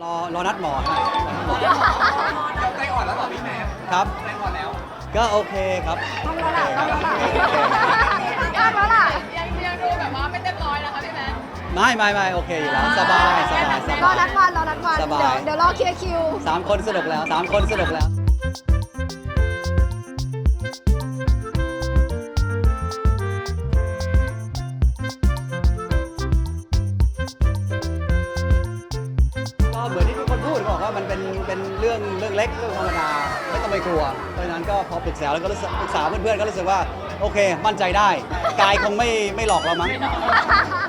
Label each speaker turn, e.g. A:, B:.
A: รอนัดหมอครับ
B: ใจอ่อนแล้วเหรอพี่แม่
A: ครับ
B: ใจอ่อนแล้ว
A: ก็โอเคครับ
C: ต้องแล้วล่ะต้องแล้วล่ะยากแล้วล่ะ
D: ยังดูแบบว่าไม่เต็มร้อยนะคะพี่แมท
A: ไม่โอเคอยู่แล้วสบายสบายส
C: รอบ
A: าย
C: นัดวันรอนัดวัน
A: สบาย
C: เดี๋ยวรอเคลียร์คิว
A: 3 คนสนุกแล้ว3 คนสนุกแล้ว ก็เหมือนที่ทุกคนพูดบอกว่ามันเป็นเรื่องเล็กเรื่องธรรมดาไม่ต้องไปกลัวเพราะฉะนั้นก็พอปรึกษาแล้วก็รู้สึกปรึกษาเพื่อนๆก็รู้สึกว่าโอเค มั่นใจได้ กายคงไม่หลอกเรามั้ง